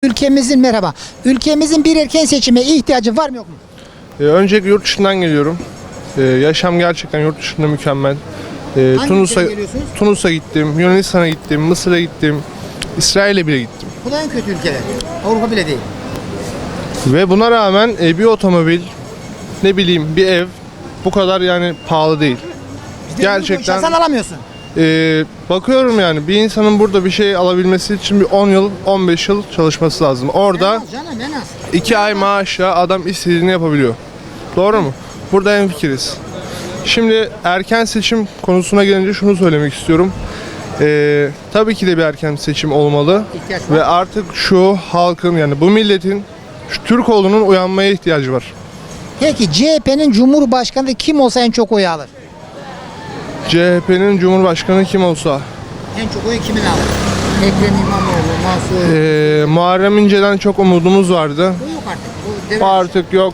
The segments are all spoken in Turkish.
Ülkemizin bir erken seçime ihtiyacı var mı yok mu? Öncelikle yurt dışından geliyorum. Yaşam gerçekten yurt dışında mükemmel. Hangi ülkeden geliyorsunuz? Tunus'a gittim, Yunanistan'a gittim, Mısır'a gittim, İsrail'e bile gittim. Bu da en kötü ülkeler. Avrupa bile değil. Ve buna rağmen bir otomobil, ne bileyim bir ev bu kadar yani pahalı değil. Gerçekten Sen alamıyorsun. bakıyorum yani bir insanın burada bir şey alabilmesi için bir 10 yıl, 15 yıl çalışması lazım. Orada En az canım en az. 2 ay maaşla adam istediğini yapabiliyor. Doğru mu? Burada hemfikiriz. Şimdi erken seçim konusuna gelince şunu söylemek istiyorum. Tabii ki de bir erken seçim olmalı. İhtiyaç var. Ve artık şu halkın yani bu milletin şu Türkoğlu'nun uyanmaya ihtiyacı var. Peki CHP'nin Cumhurbaşkanı kim olsa en çok oy alır? CHP'nin Cumhurbaşkanı kim olsa. En çok oyu kimin alır? Ekrem İmamoğlu, Mansur. Muharrem İnce'den çok umudumuz vardı. Bu yok artık. Bu devlet. Artık yok.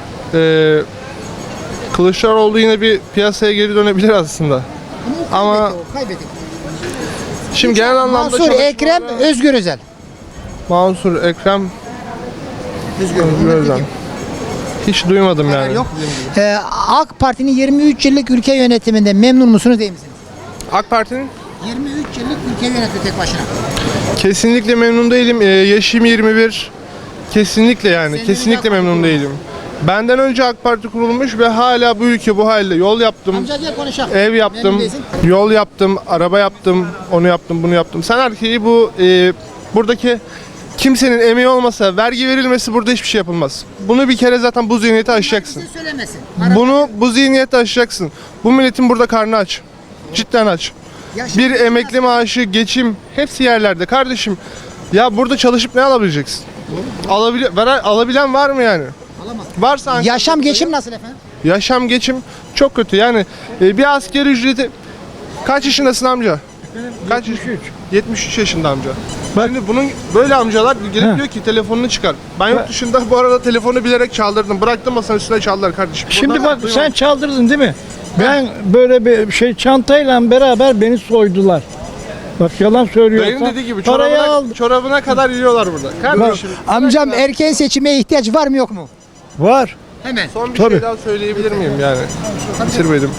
Kılıçdaroğlu yine bir piyasaya geri dönebilir aslında. Ama kaybetti. Şimdi genel anlamda Mansur, Ekrem, Özgür Özel. Mansur, Ekrem, Özgür Özel. Hiç duymadım yani. Yok. AK Parti'nin 23 yıllık ülke yönetiminde memnun musunuz değil misiniz? AK Parti'nin 23 yıllık ülke yönetti tek başına. kesinlikle memnun değilim. Yaşım 21. Kesinlikle yani. Senin Kesinlikle AK Parti memnun kurulmuş. değilim. Benden önce AK Parti kurulmuş ve hala bu ülke bu halde. Yol yaptım, Amca gel konuşalım. ev Memnun yaptım, değilsin. yol yaptım, araba yaptım, onu yaptım, bunu yaptım. Sen erkeği bu buradaki kimsenin emeği olmasa, vergi verilmesi burada hiçbir şey yapılmaz. Bunu bir kere zaten bu zihniyeti aşacaksın. Bize söylemesin. Bu zihniyeti aşacaksın. Bu milletin burada karnı aç. Cidden aç. Yaşam Bir emekli maaşı, geçim hepsi yerlerde kardeşim. Ya burada çalışıp ne alabileceksin? Alabilen var mı yani? Alamaz. Varsa Ankara'da- Yaşam geçim nasıl efendim? Yaşam geçim çok kötü. Yani bir asgari ücreti kaç yaşındasın amca? Kaç 73 yaşında amca. Şimdi bunun böyle amcalar gelip diyor ki telefonunu çıkar. Ben yurt dışında bu arada telefonu bilerek çaldırdım. Bıraktım masanın üstüne çaldılar kardeşim. Şimdi Buradan bak duymadım. sen çaldırdın değil mi? Ben böyle bir şey çantayla beraber beni soydular. Bak yalan söylüyorsan. Dayının dediği gibi parayı aldım. çorabına kadar yiyorlar burada. Kardeşim. Amcam erken seçime ihtiyaç var mı yok mu? Var. Hemen. Son bir Tabii. şey daha söyleyebilir miyim yani? Bitirmedim.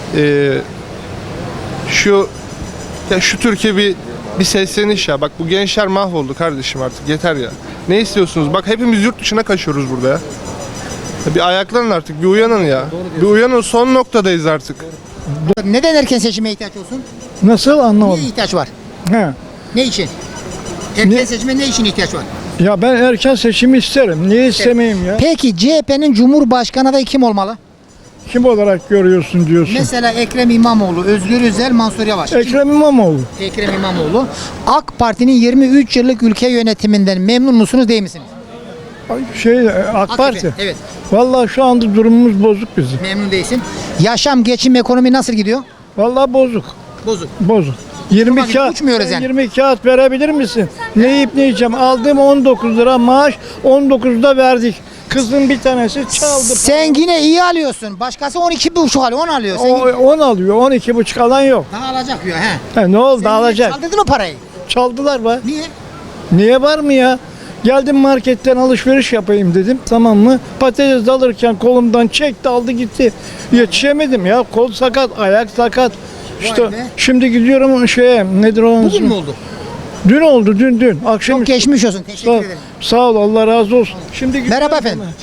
Şu Türkiye bir sesleniş ya. Bak bu gençler mahvoldu kardeşim artık. Yeter ya. Ne istiyorsunuz? Bak hepimiz yurt dışına kaçıyoruz burada ya. Bir ayaklanın artık. Bir uyanın ya. Bir uyanın. Son noktadayız artık. Neden erken seçime ihtiyaç olsun? Nasıl Niye anlamadım. ihtiyaç var? He. Ne için? Erken seçime ne için ihtiyaç var? Ya ben erken seçimi isterim. Niye istemeyeyim ya? Peki CHP'nin Cumhurbaşkanı adayı kim olmalı? Kim olarak görüyorsun diyorsun. Mesela Ekrem İmamoğlu, Özgür Özel, Mansur Yavaş. Ekrem İmamoğlu. Ekrem İmamoğlu. AK Parti'nin 23 yıllık ülke yönetiminden memnun musunuz değil misiniz? AK Parti. Evet. Vallahi şu anda durumumuz bozuk bizim. Memnun değilsin. Yaşam, geçim, ekonomi nasıl gidiyor? Vallahi bozuk. Bozuk. Bozuk. 20 Bakın, kağıt, uçmuyoruz yani. 20 kağıt verebilir misin? Ne yiyip ne yiyeceğim? Aldığım 19 lira maaş, 19'da verdik. Kızın bir tanesi çaldı. Sen yine iyi alıyorsun. Başkası 12,5 alıyor, 10 alıyor. Sen 10 alıyor, 12,5 alan yok. daha alacak diyor he. Ne oldu? Sen Alacak. çaldırdın o parayı. Çaldılar be. Niye? Niye var mı ya? Geldim marketten alışveriş yapayım dedim. Tamam mı? Patates alırken kolumdan çekti aldı gitti. Yetişemedim ya. Kol sakat, ayak sakat. İşte be. şimdi gidiyorum nedir o? Bugün mü oldu? Dün oldu dün. Akşam Çok geçmiş olsun. Teşekkür ederim. Sağ ol Allah razı olsun. Şimdi Merhaba efendim.